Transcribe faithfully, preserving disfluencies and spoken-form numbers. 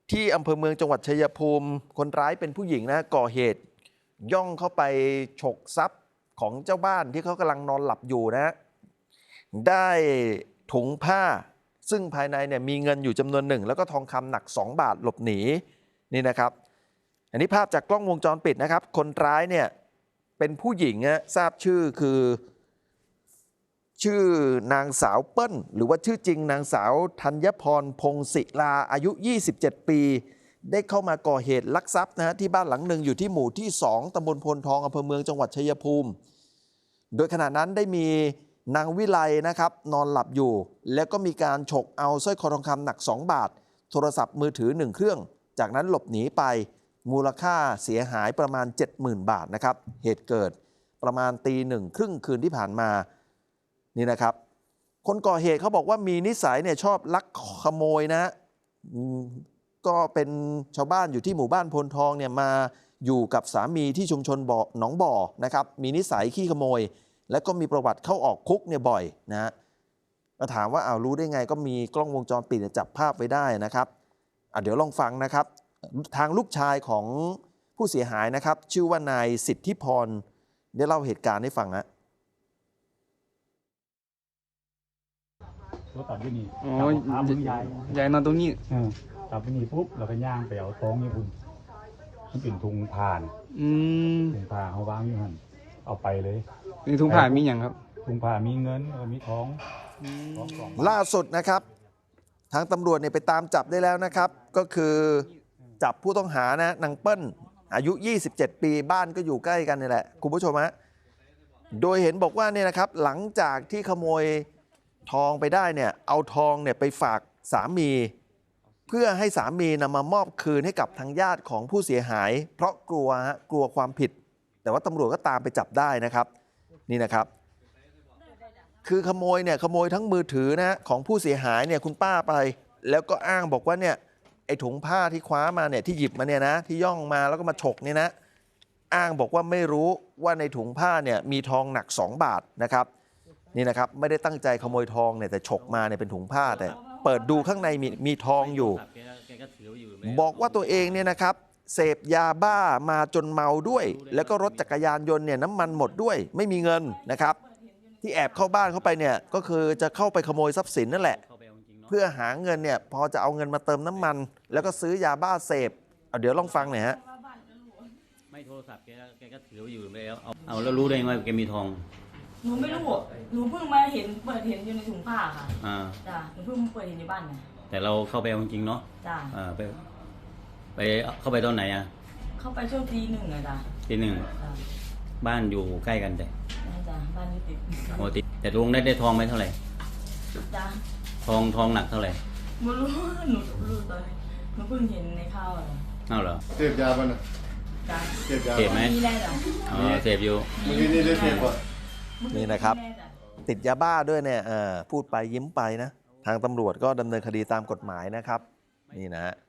ที่อำเภอเมืองจังหวัดชัยภูมิคนร้ายเป็นผู้หญิงนะก่อเหตุย่องเข้าไปฉกทรัพย์ของเจ้าบ้านที่เขากำลังนอนหลับอยู่นะได้ถุงผ้าซึ่งภายในเนี่ยมีเงินอยู่จำนวนหนึ่งแล้วก็ทองคำหนักสองบาทหลบหนีนี่นะครับอันนี้ภาพจากกล้องวงจรปิดนะครับคนร้ายเนี่ยเป็นผู้หญิงนะทราบชื่อคือชื่อนางสาวเปิ้ลหรือว่าชื่อจริงนางสาวธัญพรพงศิลาอายุยี่สิบเจ็ดปีได้เข้ามาก่อเหตุลักทรัพย์นะฮะที่บ้านหลังหนึ่งอยู่ที่หมู่ที่สองตำบลพลทองอำเภอเมืองจังหวัดชัยภูมิโดยขณะนั้นได้มีนางวิไลนะครับนอนหลับอยู่แล้วก็มีการฉกเอาสร้อยคอทองคำหนักสองบาทโทรศัพท์มือถือหนึ่งเครื่องจากนั้นหลบหนีไปมูลค่าเสียหายประมาณ เจ็ดหมื่น บาทนะครับเหตุเกิดประมาณตีหนึ่งครึ่งคืนที่ผ่านมานี่นะครับคนก่อเหตุเขาบอกว่ามีนิสัยเนี่ยชอบลักขโมยนะก็เป็นชาวบ้านอยู่ที่หมู่บ้านพลทองเนี่ยมาอยู่กับสามีที่ชุมชนบ่อหนองบ่อนะครับมีนิสัยขี้ขโมยและก็มีประวัติเข้าออกคุกเนี่ยบ่อยนะฮะก็ถามว่าเอารู้ได้ไงก็มีกล้องวงจรปิดจับภาพไว้ได้นะครับอ่ะเดี๋ยวลองฟังนะครับทางลูกชายของผู้เสียหายนะครับชื่อว่านายสิทธิพรได้เล่าเหตุการณ์ให้ฟังฮะรถตัดที่นี่อ๋อยายยายนอนตรงนี้ตัดที่นี่ปุ๊บเราก็ย่างไปเอาท้องญี่ปุ่นมันเป็นทุงผ่านอืมทุงผ่าเขาวางอยู่หันเอาไปเลยในทุงผ่ามีอย่างครับทุงผ่ามีเงินแล้วมีท้องล่าสุดนะครับทางตำรวจเนี่ยไปตามจับได้แล้วนะครับก็คือจับผู้ต้องหานะนางเปิ้ลอายุยี่สิบเจ็ดปีบ้านก็อยู่ใกล้กันนี่แหละคุณผู้ชมฮะโดยเห็นบอกว่าเนี่ยนะครับหลังจากที่ขโมยทองไปได้เนี่ยเอาทองเนี่ยไปฝากสามีเพื่อให้สามีนำมามอบคืนให้กับทางญาติของผู้เสียหายเพราะกลัวฮะกลัวความผิดแต่ว่าตำรวจก็ตามไปจับได้นะครับนี่นะครับคือขโมยเนี่ยขโมยทั้งมือถือนะของผู้เสียหายเนี่ยคุณป้าไปแล้วก็อ้างบอกว่าเนี่ยไอ้ถุงผ้าที่คว้ามาเนี่ยที่หยิบมาเนี่ยนะที่ย่องมาแล้วก็มาฉกเนี่ยนะอ้างบอกว่าไม่รู้ว่าในถุงผ้าเนี่ยมีทองหนักสองบาทนะครับนี่นะครับไม่ได้ตั้งใจขโมยทองเนี่ยแต่ฉกมาเนี่ยเป็นถุงผ้าแต่เปิดดูข้างในมีมีทองอยู่บอกว่าตัวเองเนี่ยนะครับเสพยาบ้ามาจนเมาด้วยแล้วก็รถจักรยานยนต์เนี่ยน้ำมันหมดด้วยไม่มีเงินนะครับที่แอบเข้าบ้านเข้าไปเนี่ยก็คือจะเข้าไปขโมยทรัพย์สินนั่นแหละเพื่อหาเงินเนี่ยพอจะเอาเงินมาเติมน้ำมันแล้วก็ซื้อยาบ้าเสพเอาเดี๋ยวลองฟังหน่อยฮะไม่โทรศัพท์แกแกก็ถืออยู่แล้วเอาเอาแล้วรู้ได้ไงว่าแกมีทองหนูไม่รู้หนูเพิ่งมาเห็นเปิดเห็นอยู่ในถุงผ้าค่ะอ่าจ้ะหนูเพิ่งเปิดเห็นในบ้านไงแต่เราเข้าไปจริงๆเนาะจ้ะอ่าไปไปเข้าไปตอนไหนอ่ะเข้าไปช่วงตีหนึ่งเลยจ้ะตีหนึ่งบ้านอยู่ใกล้กันแต่จ้ะบ้านอยู่ติดโอ้ติดแต่ลุงได้ได้ทองไหมเท่าไหร่จ้ะทองทองหนักเท่าไหร่ไม่รู้หนูรู้ตอนนี้หนูเพิ่งเห็นในข้าวเลยเอาเหรอเสพยาป่ะนะจ้ะเสพยาเสพไหมมีได้จ้ะอ๋อเสพอยู่เมื่อกี้นี่ได้เสพป่ะนี่นะครับติดยาบ้าด้วยเนี่ยพูดไปยิ้มไปนะทางตำรวจก็ดำเนินคดีตามกฎหมายนะครับนี่นะ